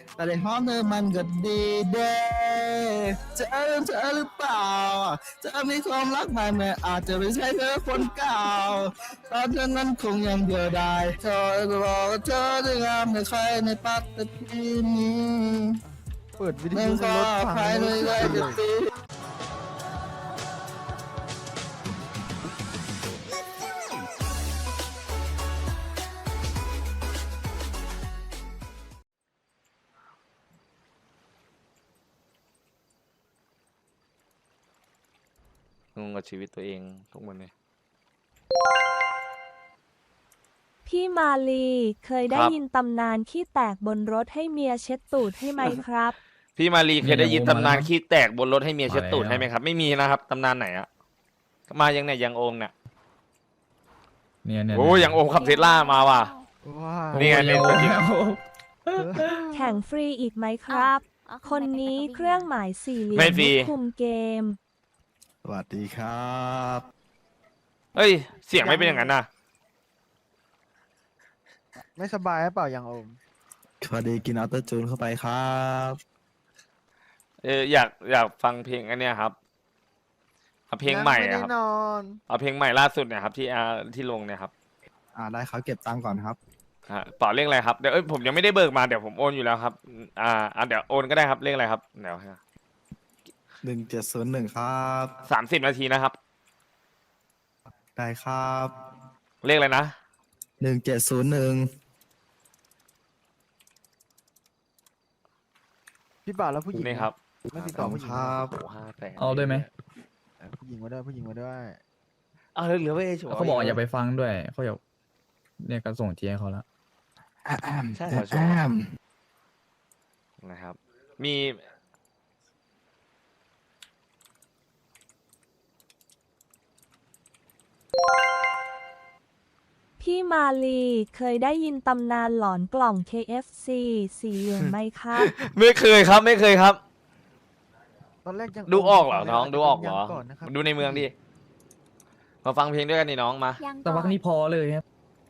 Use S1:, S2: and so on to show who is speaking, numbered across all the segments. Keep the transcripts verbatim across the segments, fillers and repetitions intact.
S1: แต่ในห้องเธอมันก็ดีเด้เธอเธอหรือเปล่าเธอมีความรักใหม่แม้อาจจะไม่ใช่เธอคนเก่าตอนเธอนั้นคงยังเดียวดายเธอจะบอกว่าเธอจะงามในใครในปัตตภีนี้
S2: เปิดวิท
S1: นั่นก็
S2: ยุในรถฟัง
S1: ภาย
S2: ไม่
S1: ใน
S2: รู้
S1: ใจ
S2: สึกเล
S1: จะ
S2: ย
S1: ตี
S3: งงกับชีวิตตัวเองทุกวันนี้
S4: พี่มาลีเคยได้
S3: ครับ
S4: ยินตำนานขี้แตกบนรถให้เมียเช็ดตูดให้ไหมครับ
S3: พี่มารีเคยได้ยิน
S5: เนี่ย
S3: ตำนาน
S5: โอมมาแล้ว
S3: ขี้แตกบนรถให้เมียเช็ดตูด
S5: มาแล้ว
S3: ให้ไหมครับ ไม่มีนะครับตำนานไหนอะมายังเนี่ยยังโอมเนี่ย
S5: เนี่ยเนี่ย
S3: โอ้ยังโอมขับเทสลามาว่ะ
S2: ว้า
S3: นี่ไงเป็นตัวจริง
S4: แข่งฟรีอีกไหมครับ
S6: เอาเอา
S4: คนนี้เครื่องหมายสี่เหลี่ย
S3: ไม่
S4: ม
S3: ฟรี
S4: คุมเกม
S1: สวัสดีครับ
S3: เอ้ยเสียงไม่เป็นอย่างนั้นนะ
S2: ไม่สบายหรือเปล่ายังโอม
S1: พอดีกินอัลเตอร์จูนเข้าไปครับ
S3: เอออยากอยากฟังเพลงอันเนี้ยครับเอาเพลงใหม่
S2: ยัง
S3: อะ
S2: ไม่
S3: ครับ
S2: ได้นอน
S3: เอาเพลงใหม่ล่าสุดเนี่ยครับที่อ่าที่ลงเนี่ยครับ
S1: อ่าได้ครับเก็บตังค์ก่อนครับ
S3: อ่าต่อเลขอะไรครับเดี๋ยวเอ้ยผมยังไม่ได้เบิกมาเดี๋ยวผมโอนอยู่แล้วครับอ่าอ่าเดี๋ยวโอนก็ได้ครับเลขอะไรครับเดี๋ยว
S1: หนึ่งเจ็ดศูนย์หนึ่งครับ
S3: สามสิบนาทีนะครับ
S1: ได้ครับ
S3: เลขอะไรนะ
S1: หนึ่งเจ็ดศูนย์หนึ่ง
S2: พี่บ่าวแล้วผู้หญิง
S3: นี่ครับ
S2: ไม่ติดต่อผู้หญิง
S1: ครับ
S3: โอ้ห้าแสน
S5: เอาด้วยไหม
S2: เออผู้หญิงมาด้วยผู้หญิงมาด้วย
S3: เอาเหลือไว้เฉย
S5: เขาบอกอย่าไปฟังด้วยเขาอยากเนี่ยก็ส่งเทียให้เขาแล้ว
S3: ใช่เหรอ
S1: แอม
S3: นะครับ มี
S4: พี่มาลีเคยได้ยินตำนานหลอนกล่อง เค เอฟ ซี สีเหลืองไหมครับ
S3: ไม่เคยครับไม่เคยครับ
S2: ตอนแรกยัง
S3: ดูออกเหรอ
S2: ตแ
S3: น้องดูออกเหรอ
S2: ยังก่อนนะครับ
S3: ดูในเมืองดิมาฟังเพลงด้วยกันดิน้องมา
S6: ยัง
S5: แต่
S6: ก่
S5: วั
S6: อก น
S5: นี้พอเลยครับ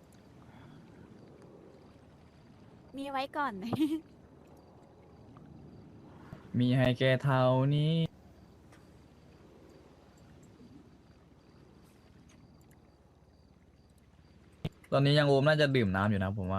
S6: มีไว้ก่อน
S5: มีให้แกเท่านี้ ตอนนี้ยังโอมน่าจะดื่มน้ำอยู่นะผมว่า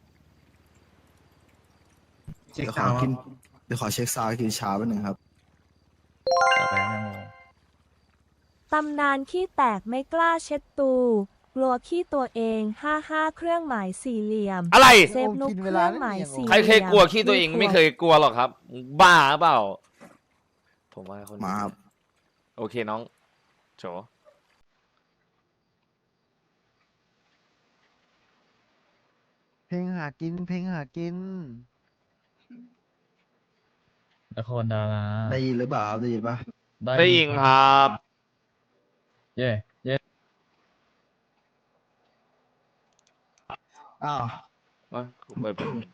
S1: เดี๋ยวขอกินเดี๋ยวขอเช็คซาวด์กินชาแป๊บนึงครับ
S5: ต่อไปครับยังโอม
S4: ตำนานขี้แตกไม่กล้าเช็ดตู กลัวขี้ตัวเองห้าห้าเครื่องหมายสี่เหลี่ยม
S3: อะไร
S4: เซฟนุกเครื่องหมายสี่
S3: ใครเคยกลัวขี้ตัวเองไม่เคยกลัวหรอกครับ บ้าเปล่า ผมว่าคน
S1: มาครับ
S3: โอเคน้องโฉ
S2: เพลงหากิน เพลงหากิน
S5: นครดารา
S1: ได้ยินหรือเปล่าครับได้ยินปะ
S3: ได้ยิงครับ
S5: เย่เย่
S1: อ้าว
S3: มาเปิดเปิด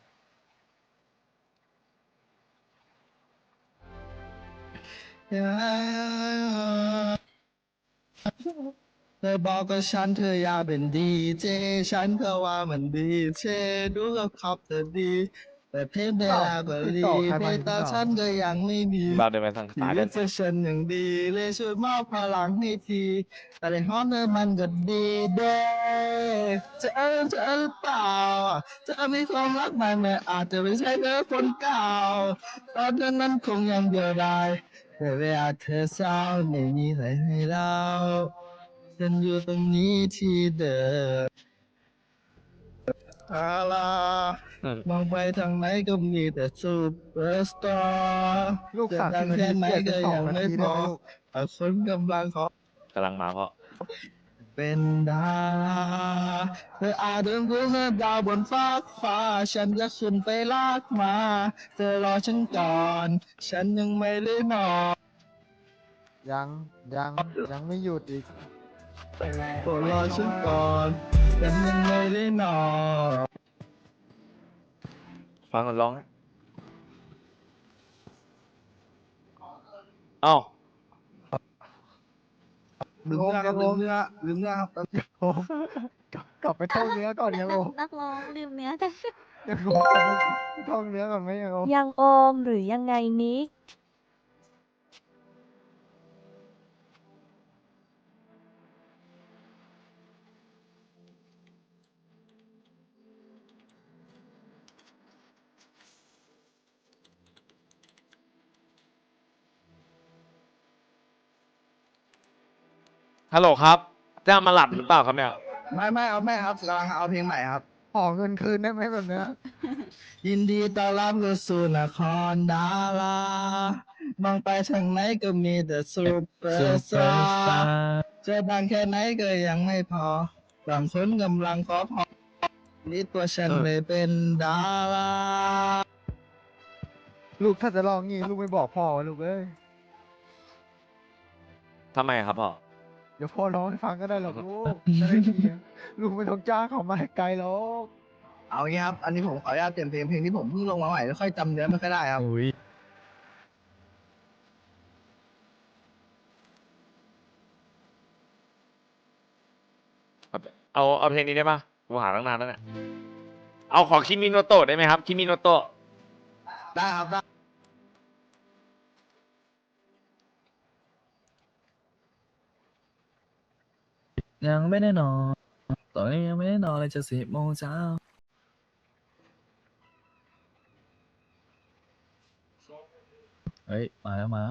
S1: เธอบอกกับฉันเธออยากเป็นดีเจฉันก็ว่ามันดีเจดูกับขับเธอดี แต่เพลงเวลาก็ดี
S2: ต่อใคร
S1: เพ
S2: มา
S1: ลง
S2: อีก
S1: ตา
S2: ต่อ
S1: ฉันก็ยังไม่มี
S3: บ้าเดินไปทาง
S1: ชี
S3: ซ้าย
S1: วิ
S3: กั
S1: ต
S3: น
S1: จะฉันอย่างดีเลยช่วยมอบพลังให้ที แต่ในห้องเธอมันก็ดีเด้เธอเธอหรือเปล่าเธอมีความรักใหม่แม้อาจจะไม่ใช่เธอคนเก่าตอนเธอนั้นคงยังเดียวดายแต่เวลาเธอเศร้าไม่มีใครให้เล่าฉันอยู่ตรงนี้ที่เดิมอาลา
S3: อืม
S1: มองไปทางไหนก็มีแต่ซูเปอร์สตาร์
S2: ลูก
S1: จะ
S2: สาม
S1: ดั
S2: สิ
S1: ง
S2: บนา
S1: แค่
S2: ที
S1: ไหน
S2: เปลี่ยนเป็
S1: ก็
S2: นสอง
S1: ยัง
S2: นา
S1: ไม่
S2: ที
S1: พ
S2: ได้
S1: อ
S2: ไหมลูก
S1: แต่คนกำลังขอ
S3: กำลังมาเพราะ
S1: เป็นดาราเธออาจเดินรู้เธอดาวบนฟ้ากฟ้า ฉันจะขึ้นไปลากมา เธอรอฉันก่อน ฉันยังไม่ได้นอน
S2: ยัง ยัง ยังไม่หยุดอีก
S1: โปรดรอฉันก่อน ฉันยังไม่ได้นอน
S3: ฟังก่อนร้องนะเอ้า
S1: ลืมเนื้อครับลืมเนื้อลืมเนื้อครับ
S2: โอมกลับไปท่องเนื้อก่อนยังโอม
S6: นักร้องลืมเนื้อแต่
S2: ยังงงกันไม่ท่องเนื้อก่อนไหมยังงง
S4: ยังโอมหรือยังไงนิก
S3: ฮัลโหลครับจะมาหลับหรือเปล่าครับเนี่ย
S1: ไม่ไม่เอาไม่ครับกำลังเอาเพลงใหม่ครับ
S2: ขอเงินคืนได้ไหมแบบเนี้ย
S1: ยินดีต้อนรับเข้าสู่นครดารามองไปทางไหนก็มีแต่ซูเปอร์สตาร์จะดังแค่ไหนก็ยังไม่พอบางคนกำลังขอพรนี่ตัวฉัน
S3: เออ
S1: เลยเป็นดารา
S2: ลูกถ้าจะลองงี้ลูกไม่บอกพ่อวะลูกเอ้ย
S3: ทำไมครับพ่อ
S2: เดี๋ยวพ่อร้องให้ฟังก็ได้หรอกลูกจะได้เคลียร์ลูกไม่ต้องจ้างเขามาให้ไกลหรอก
S1: เอางี้ครับ อันนี้ผมขออนุญาตเปลี่ยนเพลงเพลงที่ผมเพิ่งลงมาใหม่ไม่ค่อยจำเนื้อไม่ค่อยได้ครับ
S5: อุ้ย
S3: เอาเอาเพลงนี้ได้ปะกูหาตั้งนานแล้วเนี่ยเอาขอคิมิโนโตะได้ไหมครับคิมิโนโตะ
S1: ได้ครับได้
S5: ยังไม่ได้นอนตอนนี้ยังไม่ได้นอนเลยจะสิบโมงเช้าเฮ้ยมาแล้วมาแล้ว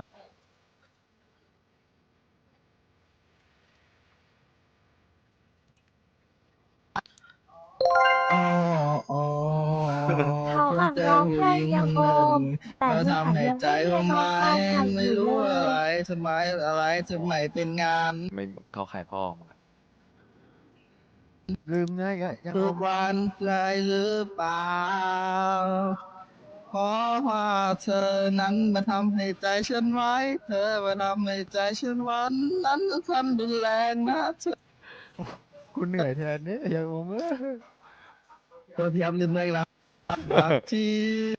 S1: อ๋ออ๋อ
S4: เขาอ่ะร้องเพลงยังโอมแต่
S1: เรา
S4: ยัง
S1: ทำให้
S4: ยัง
S1: ใจ
S4: ไม่
S1: เรา
S4: ได้ร้อง
S1: ไม่
S4: ไห้ใคร
S1: ไม่
S4: อยู่
S1: รู้
S4: เล
S1: อะไร
S4: ย
S1: ทำไมอะไรทำไมเป็นงาน
S3: ไม่เข้าใครพ่อ
S2: ลืมเนื้ออีกแล้วยัง
S1: ทุ
S2: ง
S1: ก
S2: ง
S1: วันเลยหรือเปล่าเพราะว่าเธอนั้นมาทำให้ใจฉันไว้ เธอมาทำให้ใจฉันหวันนั้นก็ทำรุนแรงนะเธอ
S2: กูเหนื่อยแทนเนี่ยยังงงเอ้ย
S1: ตัวพยายามลืมเลยแล้วรักที่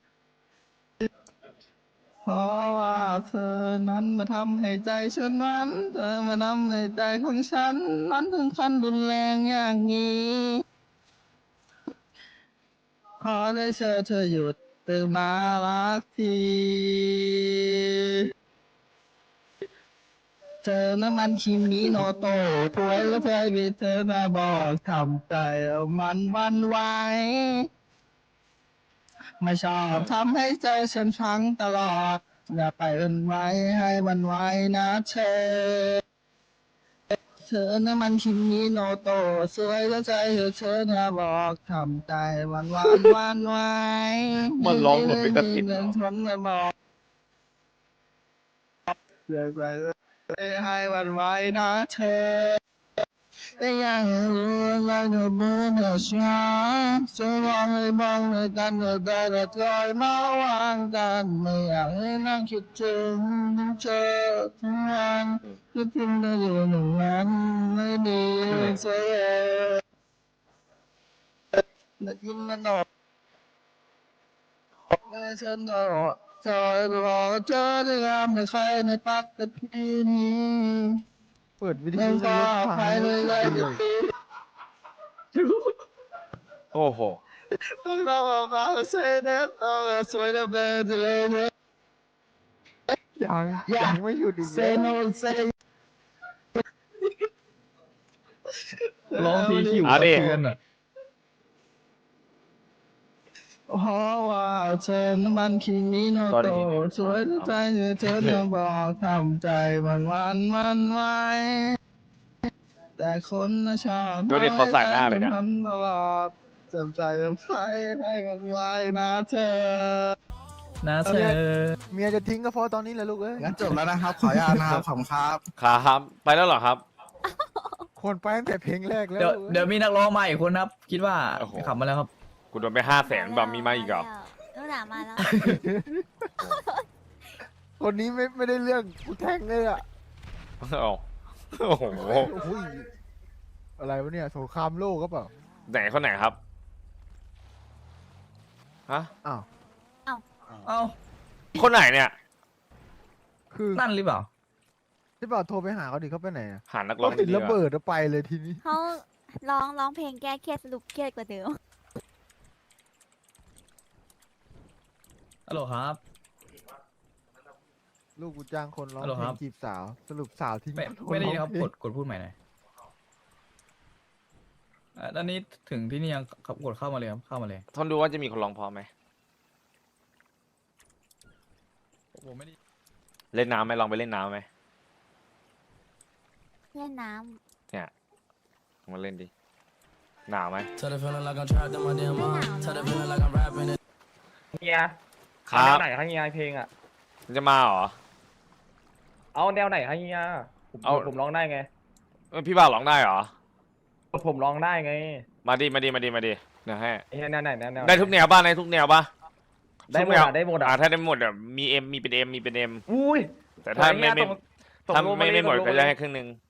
S1: เพราะว่าเธอนั้นมาทำให้ใจฉันนั้น เธอมาทำให้ใจของฉันนั้นถึงขั้นรุนแรงอย่างนี้ ขอได้เชิญเธอหยุดตื่นมารักทีเธอนั้นมันคิมิโนโตะถวยแล้วเธอมีเธอมาบอกทำใจเอามันหวันไหว ไม่ชอบทำให้ใจฉันพังตลอด อย่าไปเอินไว้ให้มันไว้นะเธอ เธอนั้นมันคิมิโนโตะสวยแล้วใจเธอเธอนะบอกทำใจหวันหวานหวานไว้
S3: มันร้องเหมือนเป็นตะกิด
S1: เรื่องทนมาบอกเลือกไปให้หวันไว้นะเธอ แต่ยังรู้ว่าเธอเบื่อเธอช้าจะมองเลยมองเลยกันเธอแต่ละคอยมาวางกันไม่อยากให้นั่งคิดถึงเธอทั้งวันคิดถึงเธออยู่หนึ่งวันไม่ดีเสียได้ยินมันออกไม่ฉันก็คอยรอเธอได้งามในใครในปักตะพีนี้
S2: เปิดวิท
S1: ไม่
S2: ยุ
S1: ก็
S2: รถฟัง
S1: ใคร
S2: ร
S1: เลย
S2: ถ
S1: เลย
S2: เลย
S3: โอ้โห
S1: ต้องรอมาเซเนตต้องสวยนะเบอร์เลย
S2: ยังยังไม่หยุดอีก
S1: เซ
S2: เลย
S1: โนเซ
S5: ร้องทีคิว
S3: เอาดิ
S5: สะเทือนอ่ะ
S1: เพราะว่าเธอนั้นมันคิมิโนโตะสวยใจเธอจะบอกทำใจมันวันมันไว้ แต่คนน่ะชอบ
S3: ดูดิเขาใส่หน้าเลยเนี่ย
S1: ทำตลอดจำใจจำใจให้มันไว้นะเธอ
S5: นะเธอ
S2: เมียจะทิ้งก็เพราะตอนนี้แหละลูกเอ้ย
S1: งั้นจบแล้วนะครับ ขออนุญาตนะครับขอบคุณครับ
S3: ครับไปแล้วเหรอครับ
S2: คนไปตั้งแต่เพลงแรกแล้ว
S5: เดี๋ยว
S2: ลูกอ้
S5: เดี๋ยวมีนักร้องมาอีกคนครับ คิดว่า
S3: โอ้โห
S5: ขับมาแล้วครับ
S3: กูโดนไปห้าแสนแบบมีมาอีกเหรอ
S6: นู่นน่ะมาแล้ว
S2: คนนี้ไม่ไม่ได้เรื่องกูแทงเลยอ่ะ
S3: เอาโอ้โห
S2: โอ้โหอะไรวะเนี่ยสงครามโลกก็เปล่า
S3: ไหนคนไหนครับฮะ
S2: อ้าว
S5: เอ้า
S3: คนไหนเนี่ย
S2: คือ
S5: นั่นหรือเปล่า
S2: ที่เปล่าโทรไปหาเขาดิเขาไปไหนอะ
S3: หานักร้
S2: เรา
S3: อง
S2: ติด
S3: ดีๆ
S2: ระเบิดแล้วไปเลยทีนี้
S6: เขาร้องร้องเพลงแก้เครียดสรุปเครียดกว่าเดิม
S5: ฮัลโหลครับ
S2: ลูกกูจ้างคนร้อง
S5: ฮัลโหล
S2: เพล
S5: ครั
S2: ง
S5: บ
S2: จีบสาว สรุปสาวทิ้ง
S5: ไม่
S2: คน
S5: ไม่ได้ยิน
S2: ร้
S5: ค
S2: อ
S5: รับ
S2: งเพล
S5: ก
S2: ง
S5: ดกดพูดใหม่หน่อยอ่ะตอนนี้ถึงที่นี่ยังครับกดเข้ามาเลยครับเข้ามาเลย
S3: ทนดูว่าจะมีคนร้องพอไหม
S5: ผมไม่ได้
S3: เล่นน้ำไหมลองไปเล่นน้ำไหม
S6: เล่นน้
S3: เนี่ยมาเล่นดิหนาวไหม
S7: Tell the feeling like I'm trapped in my damn mind. Tell the feeling like I'm rapping it.
S8: เฮีย
S3: ครั
S8: เอา
S3: บ
S8: แนวไหนคะเฮียเพลงอ่ะ
S3: มันจะมาเหรอ
S8: เอาแนวไหนคะเฮียผม
S3: เอา
S8: ผมร้องได้ไง
S3: เอ้ยพี่บ่าวร้องได้เหรอ
S8: ผมร้องได้ไง
S3: มาดิมาดิมาดิมาดิเดี๋ยวให้
S8: เฮียแนวไหนแนวแนว
S3: ได้ทุกแนวป่ะได้ทุกแนวป่ะ
S8: ได้หมด
S3: ทุกแนว
S8: อ่ะได้หมด
S3: อ่า
S8: อ่ะ
S3: ถ้าได้หมดอ่ะมีเอ็มมีเป็นเอ็มมีเป็นเอ็ม
S8: อุ้ย
S3: แต่ถ้าไม่ไม่
S8: ตกตก
S3: ถ้า
S8: ลง
S3: ไม่
S8: เลย
S3: ไม่หมด
S8: ตลง
S3: ก็
S8: เล
S3: จะ
S8: ย
S3: ให้ครึ่งหนึ่ง